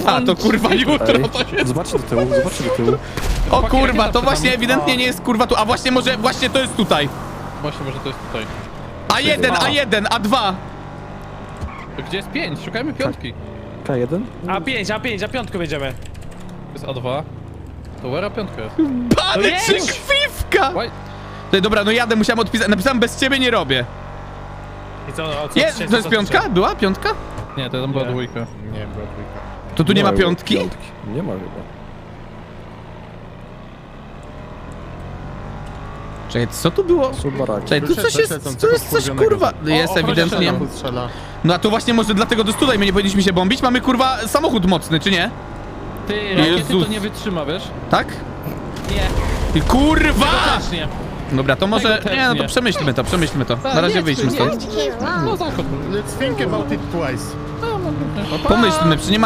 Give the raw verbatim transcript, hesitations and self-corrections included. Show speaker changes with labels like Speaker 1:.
Speaker 1: A, to kurwa jutro
Speaker 2: Ej,
Speaker 1: to się...
Speaker 2: zobaczcie do tyłu, zobaczcie do tyłu.
Speaker 1: O kurwa, to
Speaker 3: rakieta
Speaker 1: właśnie
Speaker 3: przed nami.
Speaker 1: ewidentnie nie jest kurwa tu. A właśnie może, właśnie to jest tutaj.
Speaker 3: Właśnie, może to jest tutaj.
Speaker 1: A jeden, A jeden, A dwa.
Speaker 3: Gdzie jest pięć? Szukajmy piątki.
Speaker 2: K jeden?
Speaker 4: A pięć, A pięć, A pięć będziemy.
Speaker 3: To jest A dwa. To where piątka jest?
Speaker 1: Pany
Speaker 4: To jest!
Speaker 1: czy krwiwka!
Speaker 3: Why?
Speaker 1: Ty, dobra, no jadę, musiałem odpisać. Napisałem bez ciebie nie robię.
Speaker 4: I co, o co
Speaker 1: Jest,
Speaker 4: dzisiaj-
Speaker 1: to jest
Speaker 4: co
Speaker 1: piątka?
Speaker 4: dzisiaj?
Speaker 1: Była piątka?
Speaker 3: Nie, to tam była
Speaker 4: Nie.
Speaker 3: dwójka.
Speaker 5: Nie, była dwójka.
Speaker 1: To tu nie ma
Speaker 2: chyba
Speaker 1: piątki?
Speaker 2: piątki. Nie ma chyba.
Speaker 1: Czekaj, co tu było?
Speaker 2: Są baraki.
Speaker 1: Czekaj, tu
Speaker 5: Wyszedł
Speaker 1: coś
Speaker 5: bez
Speaker 1: jest, tu
Speaker 5: lecącego
Speaker 1: jest coś
Speaker 5: wkurwionego.
Speaker 1: kurwa. Jest
Speaker 3: ochroniarz
Speaker 1: ewidentnie.
Speaker 3: strzela.
Speaker 5: Samochód strzela.
Speaker 1: No a tu właśnie może dlatego do tutaj my nie powinniśmy się bombić? Mamy kurwa samochód mocny, czy nie?
Speaker 3: Ty, rakiety
Speaker 1: Jezus.
Speaker 3: to nie wytrzyma, wiesz?
Speaker 1: Tak?
Speaker 3: Nie.
Speaker 1: I kurwa!
Speaker 3: Też nie.
Speaker 1: Dobra, to może.
Speaker 3: Tego też
Speaker 1: Nie, no to
Speaker 3: nie.
Speaker 1: przemyślmy to, przemyślmy to.
Speaker 3: Tak,
Speaker 1: Na razie
Speaker 3: nie,
Speaker 1: wyjdźmy
Speaker 3: nie.
Speaker 1: stąd.
Speaker 3: No zachód.
Speaker 5: Let's think about it twice.
Speaker 1: Pomyślmy, czy nie ma